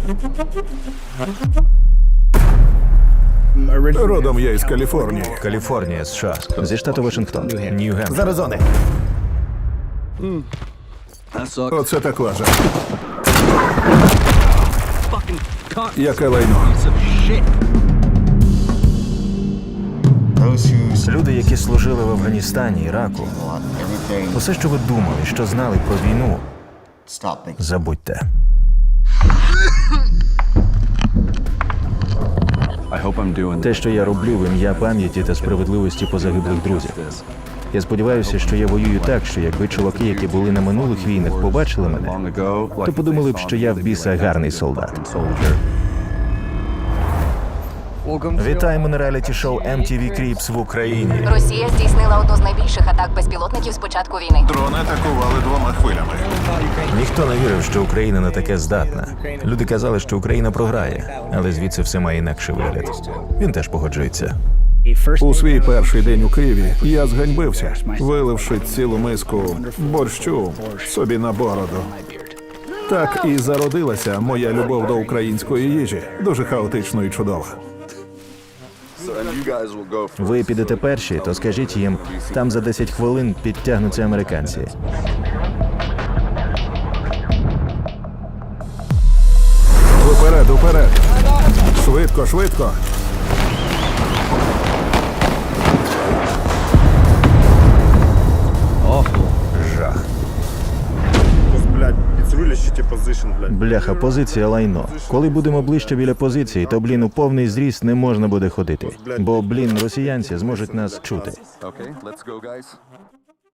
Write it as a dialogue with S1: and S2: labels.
S1: Родом я із Каліфорнії.
S2: Каліфорнія, США. Зі штату Вашингтон. Нью-Гемпшир.
S1: З Аризони. Оце так лажа. Яке лайно.
S2: Люди, які служили в Афганістані, Іраку, усе, що ви думали, що знали про війну, забудьте. Те, що я роблю в ім'я пам'яті та справедливості позагиблих друзів. Я сподіваюся, що я воюю так, що якби чуваки, які були на минулих війнах, побачили мене, то подумали б, що я в біса гарний солдат. Вітаємо на реаліті-шоу MTV Cribs в Україні.
S3: Росія здійснила одну з найбільших атак безпілотників з початку війни.
S1: Дрони атакували 2 хвилями.
S2: Ніхто не вірив, що Україна на таке здатна. Люди казали, що Україна програє, але звідси все має інакший вигляд. Він теж погоджується.
S1: У свій перший день у Києві я зганьбився, виливши цілу миску борщу собі на бороду. Так і зародилася моя любов до української їжі. Дуже хаотично і чудово.
S2: Ви підете перші, то скажіть їм, там за 10 хвилин підтягнуться американці.
S1: Уперед, уперед! Швидко, швидко!
S2: Жах.
S4: Блядь, it's really shitty position, блядь.
S2: Бляха, позиція лайно. Коли будемо ближче біля позиції, то, блін, у повний зріст не можна буде ходити. Бо, блін, росіянці зможуть нас чути.
S5: Okay, let's go, guys.